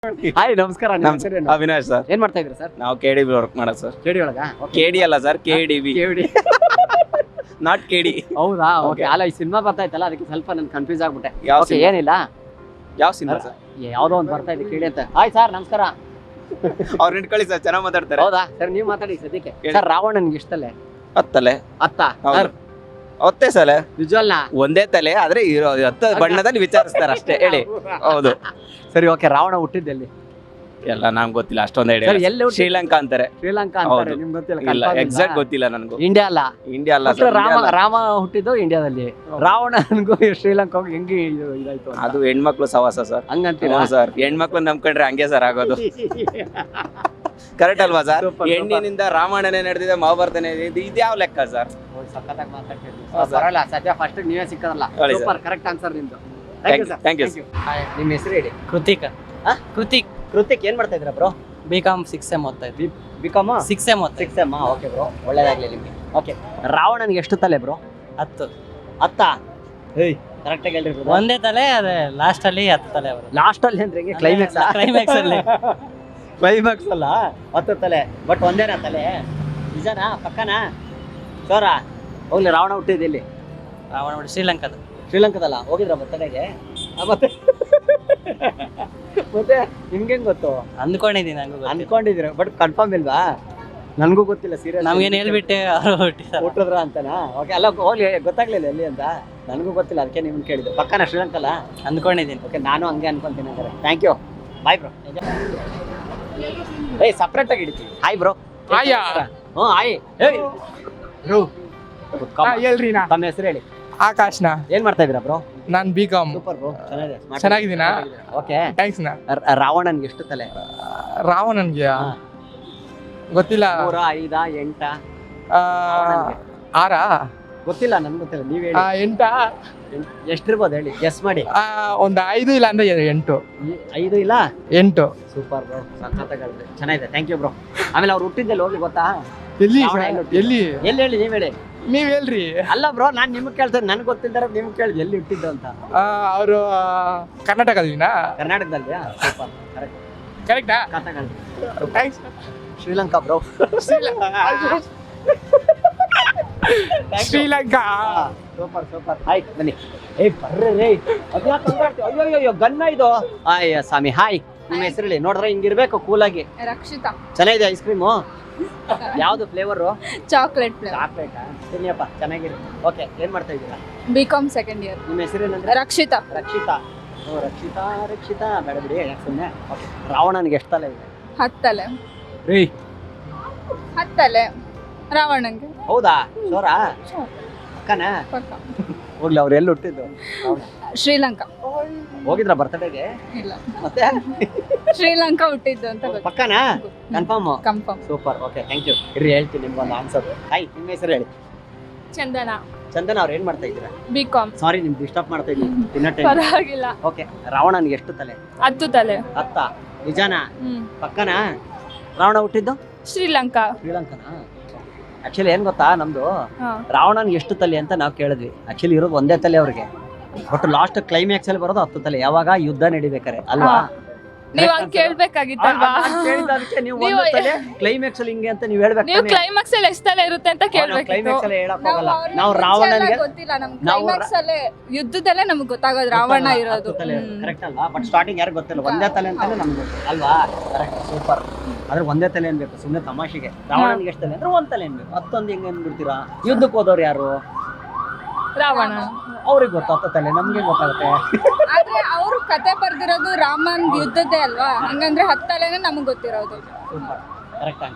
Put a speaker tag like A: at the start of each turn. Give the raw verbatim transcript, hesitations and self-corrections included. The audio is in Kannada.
A: ಹಾಯ್ ನಮಸ್ಕಾರ.
B: ಅವಿನಾಶ್ ಸರ್.
A: ಏನ್ ಮಾಡ್ತಾ ಇದ್ರಿ ಸರ್?
B: ನಾವು ಕೆ ಡಿ ಬಿ ವರ್ಕ್ ಮಾಡೋದು ಸರ್.
A: ಕೆಡಿ ಒಳಗ?
B: ಕೆಡಿ ಅಲ್ಲ sir, K D B.
A: KD
B: not K D.
A: ಹೌದಾ? ಓಕೆ. ಅಲ್ಲ ಈ ಸಿನಿಮಾ ಬರ್ತಾ ಇತ್ತಲ್ಲ ಅದಕ್ಕೆ ಸ್ವಲ್ಪ ನಾನು ಕನ್ಫ್ಯೂಸ್ ಆಗ್ಬಿಟ್ಟೆ.
B: ಯಾವ
A: ಓಕೆ, ಏನಿಲ್ಲ.
B: ಯಾವ ಸಿನಿಮಾ ಸರ್?
A: ಯಾವ್ದೋ ಒಂದು ಬರ್ತಾ ಇದೆ ಕೇಳಿ ಅಂತ. ಹಾಯ್ ಸರ್ ನಮಸ್ಕಾರ.
B: ಅವ್ರು ನಿಂತ್ಕೊಳ್ಳಿ ಸರ್, ಚೆನ್ನಾಗಿ ಮಾತಾಡ್ತಾರೆ.
A: ಹೌದಾ ಸರ್? ನೀವು ಮಾತಾಡಿ ಸದ್ಯಕ್ಕೆ. ಸರ್ ರಾವಣನ್ಗೆ ಇಷ್ಟಲ್ಲೇ
B: ಹತ್ತಲೆ
A: ಅತ್ತ
B: ಸರ್ ಒತ್ತೆ ಸಲ
A: ನಿಜವಲ್ಲ
B: ಒಂದೇ ತಲೆ ಆದ್ರೆ ಇರೋ ಹತ್ತ ಬಣ್ಣದಲ್ಲಿ ವಿಚಾರಿಸ್ತಾರೆ ಅಷ್ಟೇ. ಹೇಳಿ. ಹೌದು
A: ಸರಿ. ಓಕೆ, ರಾವಣ ಹುಟ್ಟಿದ್ದೆಲ್ಲಿ?
B: ಎಲ್ಲ ನಂಗೆ ಗೊತ್ತಿಲ್ಲ ಅಷ್ಟೊಂದು
A: ಸರ್,
B: ಹೇಳಿ.
A: ಎಲ್ಲಿ ಹುಟ್ಟಿದ್ದು?
B: ಶ್ರೀಲಂಕಾ ಅಂತಾರೆ.
A: ಶ್ರೀಲಂಕಾ ಅಂತಾರೆ.
B: ಹೌದು.
A: ನಿಮ್ಗೆ ಗೊತ್ತಿಲ್ಲ?
B: ಇಲ್ಲ,
A: confirm
B: ಎಕ್ಸಾಕ್ಟ್
A: ಇಲ್ಲ?
B: ಗೊತ್ತಿಲ್ಲ ನನಗೂ.
A: ಇಂಡಿಯಾ ಅಲ್ಲ.
B: ಇಂಡಿಯಾ ಅಲ್ಲ
A: ಅಸಲು
B: ಸರ್.
A: ರಾಮ ರಾಮ ಹುಟ್ಟಿದ್ದು ಇಂಡಿಯಾದಲ್ಲಿ. ರಾವಣನ್ಗೂ ಶ್ರೀಲಂಕಾ ಹೋಗಿ ಹೆಂಗೆ ಇದು ಇದಾಯ್ತು ಅಂತ.
B: ಅದು ಹೆಣ್ಮಕ್ಳು ಸವಾಸ ಸರ್.
A: ಹಂಗಂತೀರಾ
B: ಸರ್, ಹೆಣ್ಮಕ್ಳು ನಂಬ್ಕೊಂಡ್ರೆ ಹಂಗೆ ಸರ್ ಆಗೋದು. ಕರೆಕ್ಟ್ ಅಲ್ವಾ ಸರ್?
A: Super, super.
B: ಹೆಣ್ಣಿನಿಂದ ರಾಮಾಯಣನೇ ನಡೆದಿದೆ, ಮಹಾಭಾರತನೇ ಇದೆ. ಇದ್ಯಾವ ಲೆಕ್ಕ ಸರ್?
A: ಸಖತ್ತಾಗಿ ಮಾತಾಡ್ತಿದ್ವಿ.
B: ಹೌದು ಸರ್.
A: ಪರವಾಗಿಲ್ಲ, ಸದ್ಯ ಫಸ್ಟ್ ನೀವೇ ಸಿಕ್ಕದಲ್ಲ.
B: ಹೇಳಿ ಸರ್.
A: ಸೂಪರ್, ಕರೆಕ್ಟ್ ಆನ್ಸರ್ ನಿಮ್ದು.
B: Thank you, thank you.
A: ನಿಮ್ಮ ಹೆಸರು ಹೇಳಿ.
C: ಕೃತಿಕ್
A: ಹಾ?
C: ಕೃತಿಕ್
A: ಕೃತಿಕ್ ಏನ್ ಮಾಡ್ತಾ ಇದ್ರ bro?
C: B com six M ಓದ್ತಾ ಇದ್ವಿ.
A: ಬಿಕಾಮ್
C: ಸಿಕ್ಸ್ ಎಮ್ ಓದ್ತಾ
A: ಸಿಕ್ಸ್ ಎಮ್. ಓಕೆ ಬ್ರೋ, ಒಳ್ಳೇದಾಗ್ಲಿ ನಿಮ್ಗೆ. ಓಕೆ, ರಾವಣನ್ಗೆ ಎಷ್ಟು ತಲೆ ಬ್ರೋ?
C: ಹತ್ತು
A: ಹತ್ತ? ಏಯ್ ಕರೆಕ್ಟ್ ಆಗಿ ಹೇಳ್ರಿ.
C: ಒಂದೇ ತಲೆ, ಅದೇ ಲಾಸ್ಟ್ ಅಲ್ಲಿ ಹತ್ತು ತಲೆ ಬರುತ್ತೆ.
A: ಲಾಸ್ಟ್ ಅಲ್ಲಿ ಅಂದ್ರೆ ಹೆಂಗೆ? ಕ್ಲೈಮ್ಯಾಕ್ಸ್?
C: ಕ್ಲೈಮ್ಯಾಕ್ಸ್ ಅಲ್ಲಿ
A: ಕ್ಲೈಮ್ಯಾಕ್ಸ್ ಅಲ್ಲ, ಹತ್ತು ತಲೆ ಬಟ್ ಒಂದೇನಾ ತಲೆ? ನಿಜನಾ? ಪಕ್ಕನಾ? ಚೋರ? ಹೋಗ್ಲಿ, ರಾವಣ ಹುಟ್ಟಿದ್ದು ಎಲ್ಲಿ?
C: ರಾವಣ ನೋಡಿ ಶ್ರೀಲಂಕಾದ.
A: ಶ್ರೀಲಂಕಾದಲ್ಲ? ಹೋಗಿದ್ರ ಬರ್ತಡೆಗೆ? ಮತ್ತೆ ಮತ್ತೆ ನಿಮ್ಗೆ ಹೆಂಗ್ ಗೊತ್ತು?
C: ಅಂದ್ಕೊಂಡಿದ್ದೀನಿ, ನಂಗೂ
A: ಅನ್ಕೊಂಡಿದ್ದೀರ ಬಟ್ ಕನ್ಫರ್ಮ್ ಇಲ್ವಾ? ನನ್ಗೂ ಗೊತ್ತಿಲ್ಲ ಸೀರಿಯಸ್.
C: ನಮ್ಗೇನು ಹೇಳ್ಬಿಟ್ಟೆ ಅವರು ಹುಟ್ಟಿದ್ದಾರೆ.
A: ಹುಟ್ಟಿದ್ರ ಅಂತನಾ? ಓಕೆ, ಅಲ್ಲ ಹೋಗ್ಲಿ, ಗೊತ್ತಾಗ್ಲಿಲ್ಲ ಎಲ್ಲಿ ಅಂತ. ನನಗೂ ಗೊತ್ತಿಲ್ಲ, ಅದಕ್ಕೆ ನಿಮ್ಗೆ ಕೇಳಿದ್ದು. ಪಕ್ಕನ ಶ್ರೀಲಂಕಲ್ಲ?
C: ಅಂದ್ಕೊಂಡಿದ್ದೀನಿ.
A: ಓಕೆ, ನಾನು ಹಂಗೆ ಅನ್ಕೊಂತೀನಿ ಅಂದ್ರೆ. Thank you, bye bro. ಏಯ್ ಸಪ್ರೇಟ್ ಆಗಿ ಹಿಡಿತೀವಿ. Hi bro.
D: ಹಾಯ್.
A: ಹ್ಞೂ ಹಾಯ್. ಏಯ್ ಬ್ರೋ,
D: ಹೇಳ್ರಿ ನಾ
A: ತಮ್ಮ ಹೆಸರು ಹೇಳಿ.
D: ಆಕಾಶ್ನ.
A: ಏನ್ ಮಾಡ್ತಾ ಇದೀರಾ ಬ್ರೋ?
D: ನಾನ್ ಬಿ ಕಾಮ್.
A: ಸೂಪರ್ ಬ್ರೋ, ಚೆನ್ನಾಗಿದೆ.
D: ಚೆನ್ನಾಗಿದ್ದೀನಾ?
A: ಓಕೆ,
D: ಥ್ಯಾಂಕ್ಸ್ ನಾ.
A: ರಾವಣನ್ಗೆ ಎಷ್ಟು ತಲೆ?
D: ರಾವಣನ್ಗೆ
A: ಹಾ.
D: ಗೊತ್ತಿಲ್ಲ.
A: ಮೂರ ಐದ ಎಂಟ?
D: ಆ, ಆರಾ?
A: ಗೊತ್ತಿಲ್ಲ, ನನ್ಗೆ ಗೊತ್ತಿಲ್ಲ, ನೀವ್
D: ಆ,
A: ಹೇಳಿ.
D: ಎಂಟಾ?
A: ಎಷ್ಟಿರ್ಬೋದು ಹೇಳಿ, ಗೆಸ್ ಮಾಡಿ.
D: ಆ, ಒಂದ್ ಐದು ಇಲ್ಲ ಅಂದ್ರೆ ಎಂಟು.
A: ಈ- ಐದು ಇಲ್ಲ?
D: ಎಂಟು.
A: ಸೂಪರ್ ಬ್ರೋ, ಸಖತ್ತಾಗಿ ಚೆನ್ನಾಗಿದೆ. Thank you bro. ಆಮೇಲೆ ಅವ್ರು ಹುಟ್ಟಿದ್ದೆಲ್ಲ ಹೋಗಿ ಗೊತ್ತಾ?
D: ಎಲ್ಲಿ
A: ರಾವಣ
D: ಸರ್?
A: ಎಲ್ಲಿ ಹುಟ್ಟಿದ್ದು?
D: ಎಲ್ಲಿ?
A: ಎಲ್ಲಿ ಹೇಳಿ, ನೀವ್ ಹೇಳಿ.
D: ನೀವ್ ಹೇಳ್ರಿ.
A: ಅಲ್ಲ ಬ್ರೋ, ನಾನ್ ನಿಮ್ಗೆ ಕೇಳ್ತೇನೆ, ನನ್ಗೆ ಗೊತ್ತಿದ್ದಾರೆ ನಿಮ್ಗೆ ಕೇಳಿದ್ ಎಲ್ಲಿ ಹುಟ್ಟಿದ್ದು ಅಂತ.
D: ಅವರು ಕರ್ನಾಟಕದಿನ.
A: ಕರ್ನಾಟಕದಲ್ಲಿ? Super, correct.
D: ಕರೆಕ್ಟಾ? Thanks.
A: Sri Lanka bro.
D: Sri Lanka.
A: Super super. Hi ಬನ್ನಿ. ಏ ಬರ್ರಿ ರೇ. ಅದ್ಯಾಕ್ ಹಂಗ್ ಆಡ್ತೀವಿ? ಅಯ್ಯೋ ಅಯ್ಯೋ ಅಯ್ಯೋ, ಗನ್ನ ಇದು. ಅಯ್ಯ ಸ್ವಾಮಿ. ಹಾಯ್, ನಿಮ್ಮ ಹೆಸರು ಹೇಳಿ. ನೋಡ್ರೆ ಹಿಂಗಿರ್ಬೇಕು ಕೂಲಾಗಿ.
E: ರಕ್ಷಿತಾ.
A: ಚೆನ್ನಾಗಿದೆ ಐಸ್ ಕ್ರೀಮು. ಯಾವ್ದು ಫ್ಲೇವರು?
E: Chocolate flavour.
A: ಚಾಕ್ಲೇಟ್. ತಿನ್ನಿಯಪ್ಪ, ಚೆನ್ನಾಗಿದೆ. ಓಕೆ, ಏನ್ ಮಾಡ್ತಾ ಇದ್ದೀರಾ?
E: B com second year.
A: ನಿಮ್ಮ ಹೆಸರು ಏನಂದ್ರೆ?
E: ರಕ್ಷಿತಾ.
A: ರಕ್ಷಿತಾ. ಓ ರಕ್ಷಿತಾ ರಕ್ಷಿತಾ, ಬೇಡ ಬಿಡಿ, ಯಾಕೆ ಸುಮ್ಮನೆ. ಓಕೆ, ರಾವಣನ್ಗೆ ಎಷ್ಟು ತಲೆ ಇದೆ?
E: ಹತ್ತಲೆ.
A: ರೀ
E: ಹತ್ತಲೆ ರಾವಣಂಗೆ.
A: ಹೌದಾ? ಸೋರ ಅಕ್ಕನ?
E: ಪಕ್ಕ.
A: ಹೋಗ್ಲಿ, ಅವ್ರು ಎಲ್ಲಿ ಹುಟ್ಟಿದ್ದು?
E: ಶ್ರೀಲಂಕಾ.
A: ಹೋಗಿದ್ರ ಬರ್ತಡೆಗೆ?
E: ಇಲ್ಲ,
A: ಮತ್ತೆ
E: ಶ್ರೀಲಂಕಾ ಹುಟ್ಟಿದ್ದು ಅಂತ ಗೊತ್ತು.
A: ಪಕ್ಕನಾ? Confirm?
E: Confirm.
A: Super. Okay, thank you. ಇರ್ರಿ, ಹೇಳ್ತೀನಿ ನಿಮ್ಗೊಂದು ಆನ್ಸರ್. ಹಾಯ್, ನಿಮ್ಮ ಹೆಸರು ಹೇಳಿ.
E: ಚಂದನ.
A: ಚಂದನ ಅವ್ರು ಏನ್ ಮಾಡ್ತಾ ಇದ್ದೀರಾ?
E: B com.
A: ಸಾರಿ, ನಿಮ್ಗೆ ಡಿಸ್ಟರ್ಬ್ ಮಾಡ್ತಾ ಇದ್ದೀನಿ ತಿನ್ನೋ ಟೈಮ್.
E: ಪರವಾಗಿಲ್ಲ.
A: ಓಕೆ, ರಾವಣನ್ಗೆ ಎಷ್ಟು ತಲೆ?
E: ಹತ್ತು ತಲೆ.
A: ಹತ್ತ? ನಿಜಾನಾ?
E: ಹ್ಮ್.
A: ಪಕ್ಕನಾ? ರಾವಣ ಹುಟ್ಟಿದ್ದು
E: ಶ್ರೀಲಂಕಾ.
A: ಶ್ರೀಲಂಕನಾ? ಆಕ್ಚುಲಿ ಏನ್ ಗೊತ್ತಾ, ನಮ್ದು
E: ಹಾ.
A: ರಾವಣನ್ಗೆ ಎಷ್ಟು ತಲೆ ಅಂತ ನಾವು ಕೇಳಿದ್ವಿ. ಆಕ್ಚುಲಿ ಇರೋದು ಒಂದೇ ತಲೆ ಅವ್ರಿಗೆ. ಬಟ್ ಲಾಸ್ಟ್ ಕ್ಲೈಮ್ಯಾಕ್ಸ್ ಅಲ್ಲಿ ಬರೋದು ಹತ್ತು ತಲೆ. ಯಾವಾಗ ಯುದ್ಧ ನಡಿಬೇಕಾರೆ ಅಲ್ವಾ?
E: ಹಾ. ನೀವ್ ಹಂಗ್ ಕೇಳ್ಬೇಕಾಗಿತ್ತಲ್ವಾ?
A: ನೀವು
E: ನೀವು-
A: ಒಂದು ತಲೆ ಕ್ಲೈಮ್ಯಾಕ್ಸ್ ಅಲ್ಲಿ ಹಿಂಗೆ ಅಂತ ನೀವು ಹೇಳ್ಬೇಕು.
E: ನೀವು ಕ್ಲೈಮ್ಯಾಕ್ಸ್ ಅಲ್ಲಿ ಎಷ್ಟು ತಲೆ ಇರುತ್ತೆ ಅಂತ ಕೇಳ್ಬೇಕಿತ್ತು.
A: ಕ್ಲೈಮ್ಯಾಕ್ಸ್ ಅಲ್ಲಿ ಹೇಳಕ್
E: ನಾವು
A: ಹೋಗಲ್ಲ.
E: ಅವ್ರನ್ನ
A: ನಾವು
E: ಮುಂಚೆ
A: ರಾವಣನ್ಗೆ
E: ಎಲ್ಲ ಗೊತ್ತಿಲ್ಲ, ನಮ್ಗೆ
A: ನಾವು
E: ಕ್ಲೈಮ್ಯಾಕ್ಸ್ ಅಲ್ಲೇ ಯುದ್ಧದಲ್ಲೇ ನಮ್ಗೆ ಗೊತ್ತಾಗೋದು ರಾವಣ ಇರೋದು.
A: ಕರೆಕ್ಟ್ ಅಲ್ವಾ? ಬಟ್ ಸ್ಟಾರ್ಟಿಂಗ್ ಯಾರು ಗೊತ್ತಿಲ್ಲ, ಒಂದೇ ತಲೆ ಅಂತಾನೆ ನಮ್ಗೆ ಗೊತ್ತು ಅಲ್ವಾ? Correct, super. ಆದ್ರೆ ಒಂದೇ ತಲೆ ಅನ್ಬೇಕು, ಸುಮ್ಮನೆ ತಮಾಷೆಗೆ. ರಾವಣನ್ಗೆ ಎಷ್ಟು ತಲೆ ಅಂದ್ರೆ ಒಂದ್ ತಲೆ ಅನ್ಬೇಕು. ಹತ್ತೊಂದು ಹೆಂಗೆ ಅನ್ಬಿಡ್ತೀರಾ? ಯುದ್ಧಕ್ಕೆ ಹೋದವ್ರು ಯಾರು?
E: ರಾವಣ.
A: ಅವ್ರಿಗೆ ಗೊತ್ತು ಹತ್ತು ತಲೆ, ನಮ್ಗೆ ಗೊತ್ತಾಗುತ್ತೆ.
E: ಆದ್ರೆ ಅವ್ರು ಕತೆ ಬರ್ದಿರೋದು ರಾಮನ್ ಯುದ್ಧದ್ದೇ ಅಲ್ವಾ? ಹಂಗಂದ್ರೆ ಹತ್ತಲೇನೆ ನಮಗ್ ಗೊತ್ತಿರೋದು.
A: Super, correct.